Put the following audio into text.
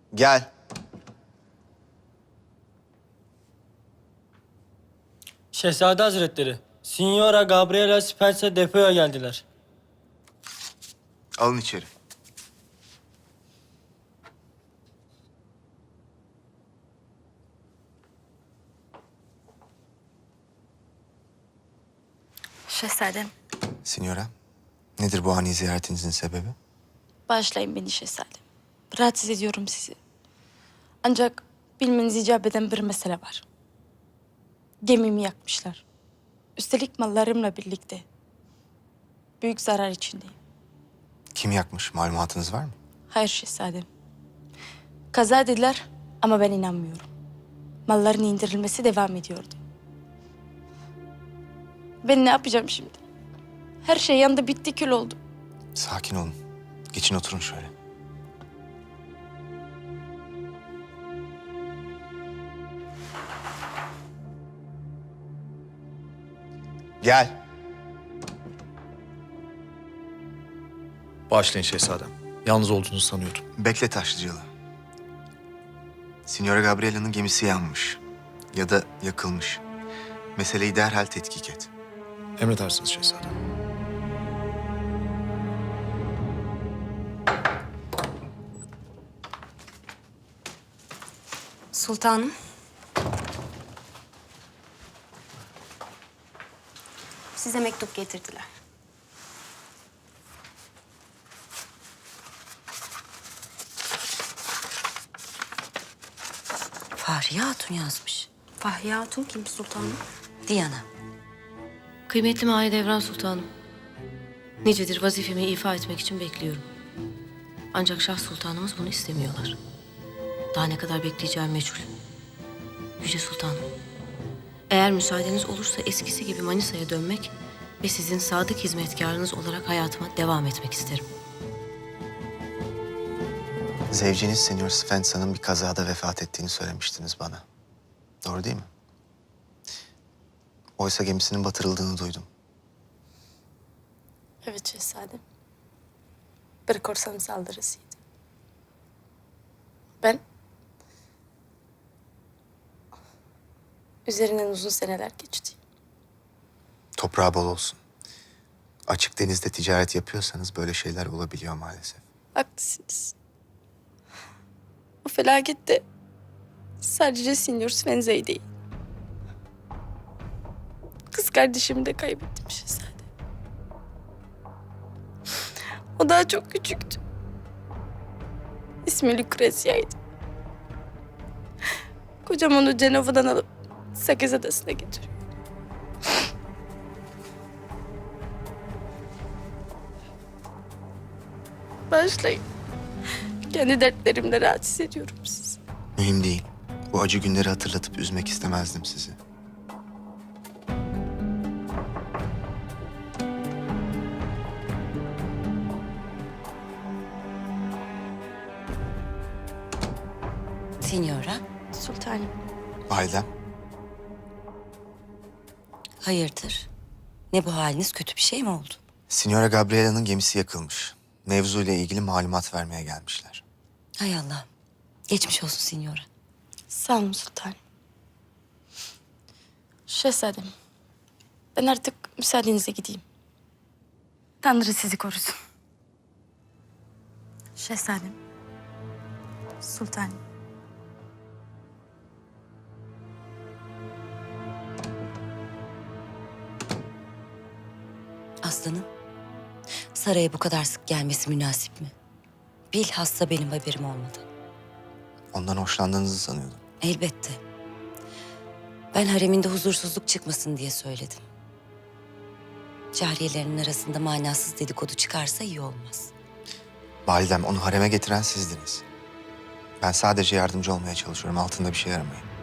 Gel. Şehzade Hazretleri, Signora Gabriela Spencer depoya geldiler. Alın içeri. Şehzadem, Signora, nedir bu ani ziyaretinizin sebebi? bağışlayın beni şehzadem. Rahatsız ediyorum sizi. Ancak bilmeniz icap eden bir mesele var. Gemimi yakmışlar. Üstelik mallarımla birlikte. Büyük zarar içindeyim. Kim yakmış? Malumatınız var mı? Hayır şehzadem. Kaza dediler ama ben inanmıyorum. Malların indirilmesi devam ediyordu. Ben ne yapacağım şimdi? Her şey yandı, bitti, kül oldu. Sakin olun. Geçin oturun şöyle. Gel. Bağışlayın şehzadem. Yalnız olduğunuzu sanıyordum. Bekle Taşlıcalı. Signora Gabriela'nın gemisi yanmış. Ya da yakılmış. Meseleyi derhal tetkik et. Emredersiniz şehzadem. Sultanım. Size mektup getirdiler. Fahriye Hatun yazmış. Fahriye Hatun kim sultanım? Diana. Kıymetli Mahidevran Sultanım. Nicedir vazifemi ifa etmek için bekliyorum. Ancak Şah Sultanımız bunu istemiyorlar. Daha ne kadar bekleyeceğim meçhul. Yüce Sultanım. Eğer müsaadeniz olursa eskisi gibi Manisa'ya dönmek ve sizin sadık hizmetkarınız olarak hayatıma devam etmek isterim. Zevciniz Senyor Svensa'nın bir kazada vefat ettiğini söylemiştiniz bana. Doğru değil mi? Oysa gemisinin batırıldığını duydum. Evet şehzadem. Bir korsan saldırısıydı. Ben üzerinden uzun seneler geçti. Toprağı bol olsun. Açık denizde ticaret yapıyorsanız böyle şeyler olabiliyor maalesef. Haklısınız. O felakette sadece Sinyor Svenza'yı değil. Kız kardeşimi de kaybettim şehzadem. O daha çok küçüktü. İsmi Lucrezia'ydı. Kocam onu Cenova'dan alıp Sakız Adası'na getiriyor. Başlayın. Kendi dertlerimle rahatsız ediyorum sizi. Mühim değil. Bu acı günleri hatırlatıp üzmek istemezdim sizi. Signora, Sultanım. Validem, hayırdır? Ne bu haliniz, kötü bir şey mi oldu? Signora Gabriela'nın gemisi yakılmış. Mevzuyla ilgili malumat vermeye gelmişler. Hay Allah. Geçmiş olsun Signora. Sağ olun sultanım. Şehzadem, ben artık müsaadenizle gideyim. Tanrı sizi korusun. Şehzadem, sultanım. Aslanım, saraya bu kadar sık gelmesi münasip mi? Bilhassa benim haberim olmadı. Ondan hoşlandığınızı sanıyordum. Elbette. Ben hareminde huzursuzluk çıkmasın diye söyledim. Cariyelerinin arasında manasız dedikodu çıkarsa iyi olmaz. Validem, onu hareme getiren sizdiniz. Ben sadece yardımcı olmaya çalışıyorum. Altında bir şey aramayın.